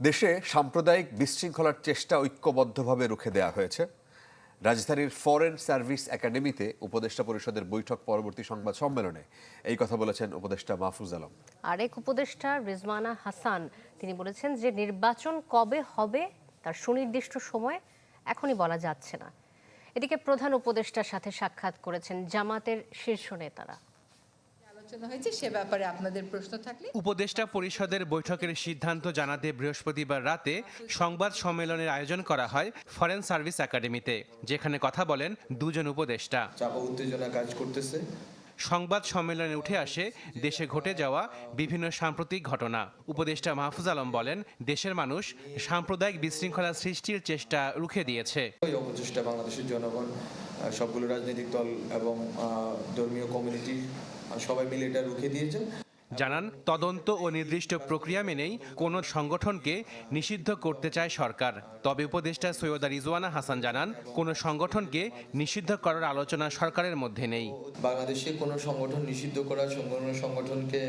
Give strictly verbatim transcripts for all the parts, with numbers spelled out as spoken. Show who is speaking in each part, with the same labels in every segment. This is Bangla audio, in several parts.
Speaker 1: দেশে সাম্প্রদায়িক বিশৃঙ্খলার চেষ্টা ঐক্যবদ্ধভাবে রুখে দেওয়া হয়েছে। রাজধানীর ফরেন সার্ভিস একাডেমিতে উপদেষ্টা পরিষদের বৈঠক পরবর্তী সংবাদ সম্মেলনে এই কথা বলেছেন উপদেষ্টা মাহফুজ আলম।
Speaker 2: আরেক উপদেষ্টা রিজওয়ানা হাসান তিনি বলেছেন যে নির্বাচন কবে হবে তার সুনির্দিষ্ট সময় এখনই বলা যাচ্ছে না। এদিকে প্রধান উপদেষ্টার সাথে সাক্ষাৎ করেছেন জামাতের শীর্ষ নেতারা।
Speaker 3: সে ব্যাপারে আপনাদের প্রশ্ন থাকলে
Speaker 4: উপদেষ্টা পরিষদের বৈঠকের সিদ্ধান্ত জানাতে বৃহস্পতিবার রাতে সংবাদ সম্মেলনের আয়োজন করা হয় ফরেন সার্ভিস একাডেমিতে, যেখানে কথা বলেন দুজন উপদেষ্টা।
Speaker 5: চাপ উত্তেজনা কাজ করতেছে।
Speaker 4: সংবাদ সম্মেলনে উঠে আসে দেশে ঘটে যাওয়া বিভিন্ন সাম্প্রতিক ঘটনা। উপদেষ্টা মাহফুজ আলম বলেন, দেশের মানুষ সাম্প্রদায়িক বিশৃঙ্খলা সৃষ্টির চেষ্টা রুখে দিয়েছে।
Speaker 5: ওই অপচেষ্টা বাংলাদেশের জনগণ, সবগুলো রাজনৈতিক দল এবং ধর্মীয় কমিউনিটি সবাই মিলে এটা রুখে দিয়েছে।
Speaker 4: জানান, তদন্ত ও নির্দিষ্ট প্রক্রিয়া মেনেই কোনো সংগঠনকে নিষিদ্ধ করতে চায় সরকার। তবে উপদেষ্টা সৈয়দা রিজওয়ানা হাসান জানান, কোনো সংগঠনকে নিষিদ্ধ করার আলোচনা সরকারের মধ্যে নেই।
Speaker 5: বাংলাদেশে কোনো সংগঠন নিষিদ্ধ করা, কোনো সংগঠনকে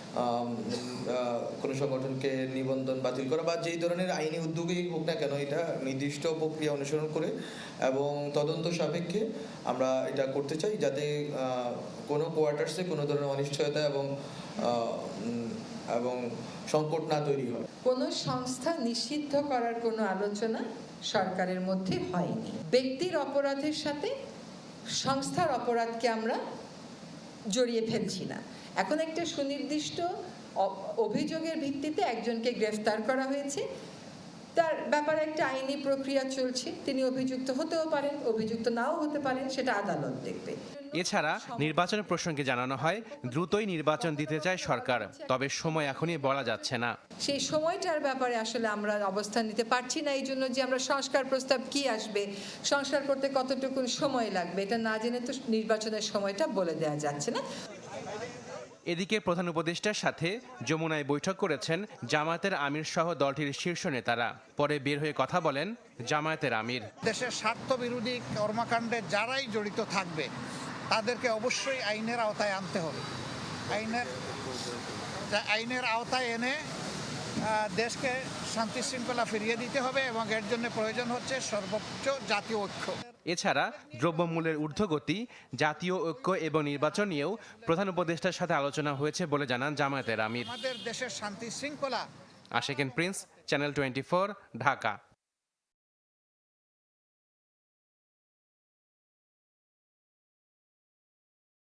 Speaker 5: কোনো সংগঠনকে নিবন্ধন বাতিল করা বা যেই ধরনের আইনি উদ্যোগই হোক না কেন, এটা নির্দিষ্ট প্রক্রিয়া অনুসরণ করে এবং তদন্ত সাপেক্ষে আমরা এটা করতে চাই, যাতে কোনো কোয়ার্টার্সে কোনো ধরনের অনিশ্চয়তা এবং এবং সংকট না তৈরি হয়।
Speaker 3: কোনো সংস্থা নিষিদ্ধ করার কোনো আলোচনা সরকারের মধ্যে হয়নি। ব্যক্তির অপরাধের সাথে সংস্থার অপরাধকে আমরা জড়িয়ে ফেলছি না। এখন একটা সুনির্দিষ্ট অভিযোগের ভিত্তিতে একজনকে গ্রেফতার করা হয়েছে, তার ব্যাপারে একটা আইনি প্রক্রিয়া চলছে। তিনি অভিযুক্ত হতেও পারেন, অভিযুক্ত নাও হতে পারেন, সেটা আদালত দেখবে।
Speaker 4: এছাড়া নির্বাচন প্রসঙ্গে জানানো হয়, দ্রুতই নির্বাচন দিতে চায় সরকার, তবে সময় এখনই বলা যাচ্ছে না।
Speaker 3: সেই সময়টার ব্যাপারে আসলে আমরা অবস্থান নিতে পারছি না, এই জন্য যে আমরা সংস্কার প্রস্তাব কি আসবে, সংস্কার করতে কতটুকু সময় লাগবে, এটা না জেনে তো নির্বাচনের সময়টা বলে দেওয়া যাচ্ছে না।
Speaker 4: এদিকে প্রধান উপদেষ্টার সাথে যমুনায় বৈঠক করেছেন জামায়াতের আমির সহ দলটির শীর্ষ নেতারা। পরে বের হয়ে কথা বলেন জামায়াতের আমির।
Speaker 6: দেশের স্বার্থ বিরোধী কর্মকাণ্ডে যারাই জড়িত থাকবে তাদেরকে অবশ্যই আইনের আওতায় আনতে হবে। আইনের আইনের আওতায় এনে দেশকে শান্তি শৃঙ্খলা ফিরিয়ে দিতে হবে এবং এর জন্য প্রয়োজন হচ্ছে সর্বোচ্চ জাতীয় ঐক্য।
Speaker 4: এছাড়া দ্রব্যমূল্যের ঊর্ধ্বগতি, জাতীয় ঐক্য এবং নির্বাচন নিয়েও প্রধান উপদেষ্টার সাথে আলোচনা হয়েছে বলে জানান জামায়াতের আমির।
Speaker 6: আমাদের দেশের শান্তি শৃঙ্খলা।
Speaker 4: Ashikin Prince, channel twenty four, Dhaka.